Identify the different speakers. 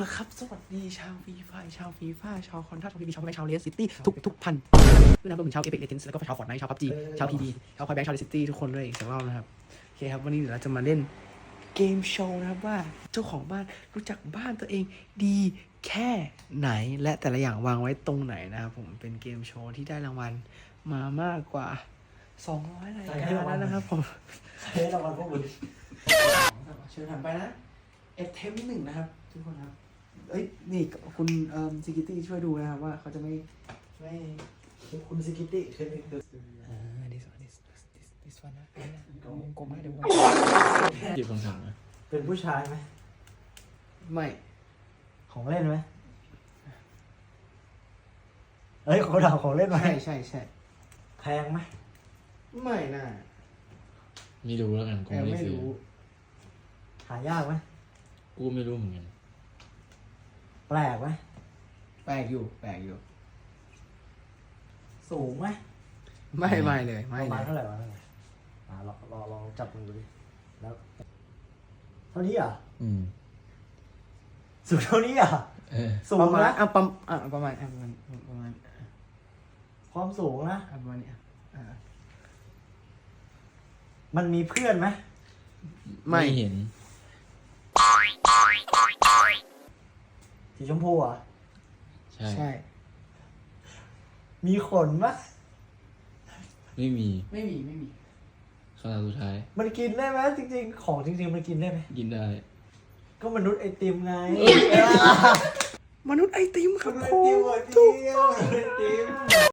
Speaker 1: ละครับสวัสดีชาวฟีฟ่าชาวฟีฟ่าชาวคอนทัสชาวพีบีชาวแบงค์ชาวเลสซิตี้ทุกพันด้วยนะรวมถึงชาวเอพิกเลเจนส์แล้วก็ชาวฟอร์ตไนท์ชาวพับจีชาวพีบีชาวคอยแบงค์ชาวเลสซิตี้ทุกคนด้วยอีกสักรอบนะครับโอเคครับวันนี้เดี๋ยวเราจะมาเล่นเกมโชว์นะครับว่าเจ้าของบ้านรู้จักบ้านตัวเองดีแค่ไหนและแต่ละอย่างวางไว้ตรงไหนนะครับผมเป็นเกมโชว์ที่ได้รางวัลมามากกว่า200รายการแล้วนะครับผม
Speaker 2: ให้รางวัลพวกมึง
Speaker 1: เชิญถัดไปนะเอฟเทมหนึ่งนะครับทุกคนครับเอ้ยนี่คุณซิกิตี้ช่วยดูนะครับว่าเขาจะไม่
Speaker 2: คุณซิกิตี้เคยดู
Speaker 1: this one นะกลมให้ดู
Speaker 3: หยิบคำสั่งนะ
Speaker 2: เป็นผู้ชายไหม
Speaker 1: ไม่
Speaker 2: ของเล่นไหมเอ้ยเขาถามของเล่นไหม
Speaker 1: ใช่
Speaker 2: แพงไหม
Speaker 1: ไม่น่า
Speaker 3: ไม่รู้แล้วกันกู
Speaker 1: แต่
Speaker 3: ไม่ได้
Speaker 1: ไม่
Speaker 3: ซื้อ
Speaker 1: รู้
Speaker 2: หายากไหม
Speaker 3: กูไม่รู้เหมือนกัน
Speaker 2: แปลกไหม
Speaker 1: แปลกอยู่
Speaker 2: สูงไหม
Speaker 1: ไม่เลย
Speaker 2: ป
Speaker 1: ไม่
Speaker 2: ระ
Speaker 1: เล
Speaker 2: มาณ
Speaker 1: ย
Speaker 2: เท่าไหร่วะลองจับมือดูดิแล้วเท่านี้อ่ะสูงเท่านี้อ่ะ สู
Speaker 1: ป
Speaker 2: ง
Speaker 1: ระมาณ
Speaker 2: นะ
Speaker 1: ประมาณ
Speaker 2: ความสูงนะ
Speaker 1: ประมาณนี้
Speaker 2: มันมีเพื่อนไหม
Speaker 1: ไม่
Speaker 3: เห็น
Speaker 2: สีชมพูอ่ะ
Speaker 3: ใช่
Speaker 2: มีขนไหม
Speaker 3: ไม่มี
Speaker 1: ไม่มี
Speaker 3: คำถามสุดท้าย
Speaker 2: มันกินได้ไหมจริงๆของจริงๆมันกินได้ไหม
Speaker 3: กินได้
Speaker 2: ก็มนุษย์ไอติมไง
Speaker 1: มนุษย์ไอติมครับ
Speaker 2: มนุษย์
Speaker 1: ผ
Speaker 2: ไอติม
Speaker 1: ม
Speaker 2: ถูกต้องมนุษย์ไอติม